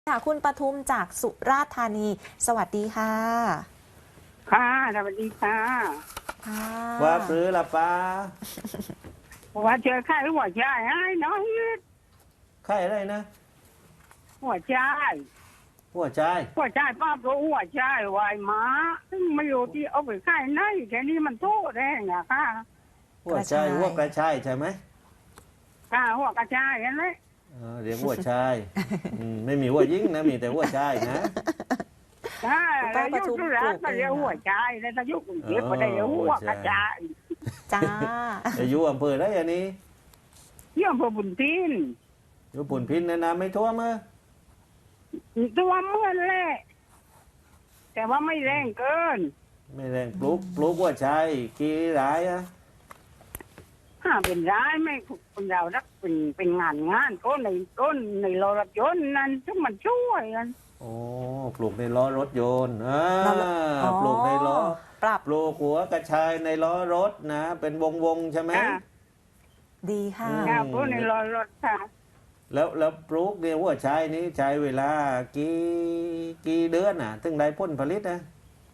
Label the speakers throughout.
Speaker 1: ค่ะคุณปทุมจากสุราษฎร์ธานี สวัสดีค่ะ
Speaker 2: ค่ะสวัสดีค่ะ
Speaker 1: ค่ะ
Speaker 3: ว่าปรือละป้า
Speaker 2: ว่าเจอไข้หัวใจไอ้น้อย
Speaker 3: ไข้อะไรนะ
Speaker 2: หัวใจ
Speaker 3: หัวใจ
Speaker 2: หัวใจป้าก็หัวใจวายม้าซึ่งไม่รู้ที่เอาไปไข้ไหนแค่นี้มันโทษแรงอะค่ะ
Speaker 3: หัวใจหัวกระชายใช่ไหม
Speaker 2: ค่ะหัวกระจายกันเลย
Speaker 3: เรียกหัวชายไม่มีหัวยิ่งนะมีแต่หัวชายนะ
Speaker 2: ค่ะแล้วยุคสุราษฎร์ก็เรียกหัวใจแล้วถ้ายุคกรุงเทพก็ได้เรียกหัวกระจาย
Speaker 1: จ้า
Speaker 3: จะอยู่อำเภอได้อันนี้
Speaker 2: ที่อำเภอบุญทิน
Speaker 3: อยู่ปุ่นพินนะน้ำไม่ท่วมมั้ย
Speaker 2: ตัวเมื่อนแหละแต่ว่าไม่แรงเกิน
Speaker 3: ไม่แรงปลูกหัวชายกี่รายอะ
Speaker 2: เป็นร้ายไม่คนเรารักเป็นงานต้นในรถยนต์นั้นที่มันช่วยกัน
Speaker 3: โอ้ปลูกในล้อรถยนต์ปลูกในล้อปลูกหัวกระชายในล้อรถนะเป็นวงใช่ไหม
Speaker 1: ดีค่ะ
Speaker 2: ปลูกในล้อรถค่ะ
Speaker 3: แล้วปลูกเนี่ยหัวชายนี้ใช้เวลากี่เดือนถึงได้ผลผลิตนะ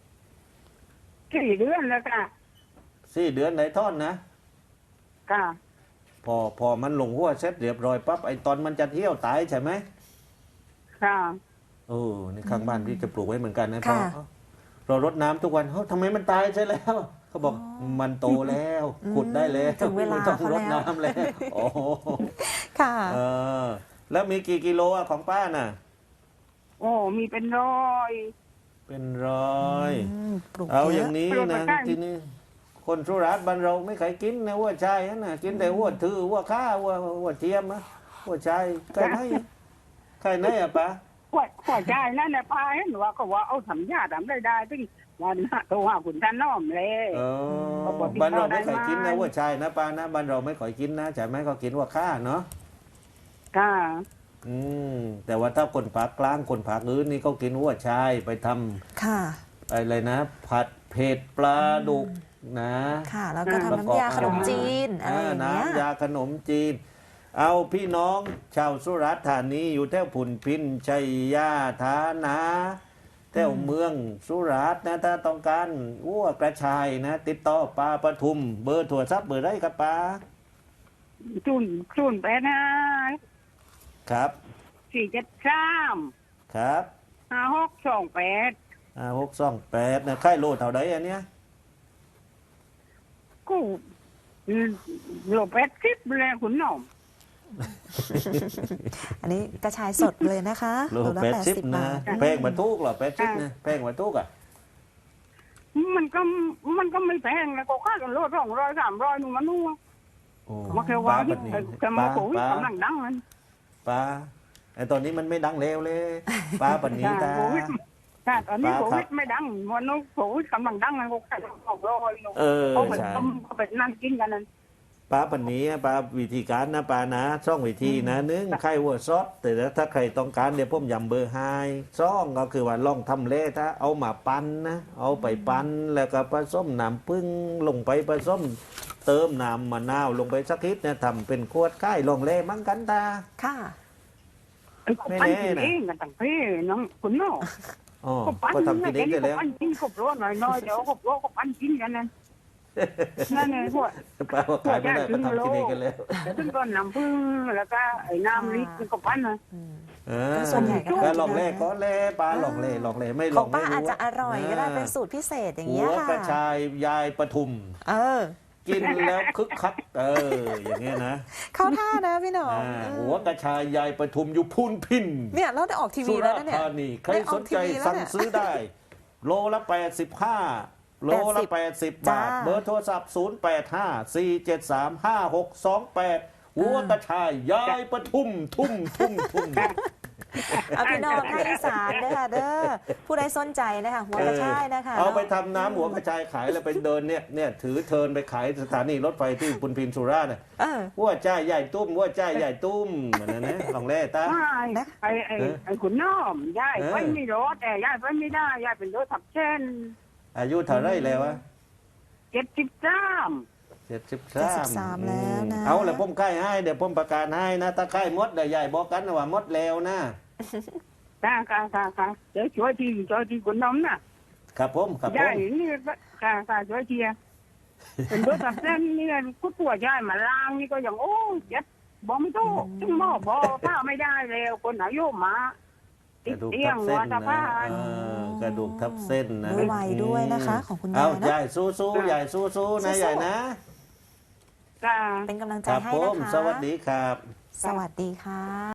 Speaker 2: 4 เดือนแล้วค่ะ
Speaker 3: 4 เดือนได้ท่อนนะ
Speaker 2: ค่ะ
Speaker 3: พอมันลงหัวเสร็จเรียบร้อยปั๊บไอตอนมันจะเที่ยวตายใช่ไหม
Speaker 2: ค่ะ
Speaker 3: นี่ข้างบ้านที่จะปลูกไว้เหมือนกันนะเพราะเรารดน้ำทุกวันทำไมมันตายใช่แล้วเขาบอกมันโตแล้วขุดได้แล้ว
Speaker 1: ถึงเวลา
Speaker 3: ต้องรดน้ำแล้วโอ้
Speaker 1: ค่ะ
Speaker 3: แล้วมีกี่กิโลของป้าน่ะ
Speaker 2: มีเป็นร้อย
Speaker 3: เอาอย่างนี้นะที่นี่คนสุราษฎร์บ้านเราไม่เคยกินนะหัวชายนะกินแต่หัวถือหัวข้าหัวเทียมนะหัวชายใครไหนอะป้า
Speaker 2: หัวใจนั่นแหละป้าเห็นว่าก็ว่าเอาสัญญาทำได้ที่วันโทรหาคุณท่านน้อมเลย
Speaker 3: บ้านเราไม่เคยกินนะหัวชายนะป้านะบ้านเราไม่เคยกินนะใช่ไหมก็กินหัวข้าเนาะ
Speaker 2: ค่ะ
Speaker 3: แต่ว่าถ้าคนภาคกลางคนภาคอื่นนี่เขากินหัวชายไปทำ
Speaker 1: ค่ะ
Speaker 3: อะไรนะผัดเผ็ดปลาดุกนะ
Speaker 1: ค่ะแล้วก็ทำน้ำยาขนมจีนอะไรอย่างเงี้ย
Speaker 3: น้ำยาขนมจีนเอาพี่น้องชาวสุราษฎร์ธานีอยู่แถวผุนพินชัยยาธานาแถวเมืองสุราษฎร์นะถ้าต้องการวัวกระชายนะติดต่อป้าปทุมเบอร์โทรศัพท์เบอร์ได้ครับป้า
Speaker 2: จุนไปนะครับ473
Speaker 3: ครับ
Speaker 2: 5628
Speaker 3: นะค่ายโลเท่าใดอันเนี้ย
Speaker 2: ก็โล80เลยคุณน้อง
Speaker 1: อันนี้กระชายสดเลยนะคะ
Speaker 3: โล80นะแพงมาทุกหรอ80นะแพงมาทุกอ่ะ
Speaker 2: มันก็ไม่แพงนะก็ค่ากันโล200 300นู่นมันนู่นมาแค่ว่าจะมาโควิดกำลังดังนั้น
Speaker 3: ป้าไอตอนนี้มันไม่ดังเร็วเลยป้าปันนี้ตา
Speaker 2: ตอนนี้โควิดไม่ดังวันนู้นโควิดกำลังดังนะก็แค่200นู่นเขาไปนั่งกินกันนั่น
Speaker 3: ป้าปันนี้ป้าวิธีการนะป้านะช่องวิธีนะนึ่งไข่วัวซอสแต่ถ้าใครต้องการเดี๋ยวผมย้ำเบอร์ให้ช่องก็คือว่าลองทำเละถ้าเอามาปั้นนะเอาไปปั้นแล้วก็ผสมน้ำผึ้งลงไปผสมเติมน้ำมะนาวลงไปสักนิดนะทำเป็นขวดไข่ลองเละมั้งกันตา
Speaker 1: ค่ะ
Speaker 2: ไม่แน่นะกันต่างเพศน้องคุณน้อง
Speaker 3: ก็ทำกินเองได้แล้ว
Speaker 2: ปั้นกินขบร้อนหน่อยเดี๋ยวขบร้อนก็ปั้นกินกันนั่นเองพวก
Speaker 3: ป้าว่าขายไม่ได้ก็ทำกินเองกันแล้ว
Speaker 2: ซึ่งก็น้ำผึ้งแล้วก็ไอ้น้ำลิตรก็ปั้นนะ
Speaker 1: ส่วนใหญ่
Speaker 3: ก็ลองเล่ก็เล่ป้าลองเล่ไม่ลองไม่รู้
Speaker 1: ป้าอาจจะอร่อยก็ได้เป็นสูตรพิเศษอย่างเงี้ยค่ะ
Speaker 3: หัวกระชายยายปทุมกินแล้วคึกคักอย่างเงี้ยนะ
Speaker 1: เข้าท่านะพี่หนอ
Speaker 3: หัวกระชายยายปทุมอยู่พูนพิน
Speaker 1: เนี่ยเราได้ออกทีวีแล้วนะเนี่ย
Speaker 3: ใครสนใจสั่งซื้อได้โลละ85โลละ80 บาทเบอร์โทรศัพท์0854735628หัวกระชายยายปทุมทุ่ม
Speaker 1: เอาพี่น้องภาคอีสานนะคะเด้อผู้ใดสนใจนะคะหัวกระชายนะคะ
Speaker 3: เอาไปทำน้ำหัวกระชายขายแล้วไปเดินเนี่ยถือเทินไปขายสถานีรถไฟที่พุนพินสุราษฎร์หัวใจใหญ่ตุ้มหัวใจใหญ่ตุ้มเหมือนนั้นนะลองเล่ตา
Speaker 2: ไอ้ขุนน้อมยายไปไม่รถแต่ยายไปไม่ได้ยายเป็นรถทับเช่น
Speaker 3: อายุเท่าไรแล้ววะ
Speaker 2: 73
Speaker 1: แล้วนะ
Speaker 3: เอาแล้วผมใกล้ให้เดี๋ยวผมประกาศให้นะถ้าใกล้มดเดี๋ยวใหญ่บอกกันว่า มดแล้วนะ
Speaker 2: ค่ะเดี๋ยวช่วยทีคนน้ำน่ะ
Speaker 3: ครับผมครับผ
Speaker 2: ยาย
Speaker 3: ม
Speaker 2: นี่ค่ะช่วยทีเป็นตัวตัดเส้นนี่ก็ตัวยายมาล้างนี่ก็อย่างโอ้เจ็บบอกไม่ถูกจึงบอกผ้าไม่ได้แล้วคนอายุมาก
Speaker 3: ระดูก
Speaker 2: เตีย
Speaker 3: ทั
Speaker 2: ง
Speaker 3: บ
Speaker 2: หั
Speaker 3: เส้
Speaker 2: วน ตะ
Speaker 3: นะ
Speaker 2: ผ้า
Speaker 3: กระดูกทับเส้นนะ
Speaker 1: ด้วยวัยด้วยนะคะของคุณยาย
Speaker 3: เอา
Speaker 1: นะ
Speaker 3: ยายสู้ๆยายสู้ๆนะยายนะ
Speaker 2: ค่ะ
Speaker 1: เป็นกำลังใจ
Speaker 3: ครับ
Speaker 1: ให้
Speaker 3: ผ
Speaker 1: นะ
Speaker 3: ม
Speaker 1: คะ
Speaker 3: สวัสดีครับ
Speaker 1: สวัสดีค่ะ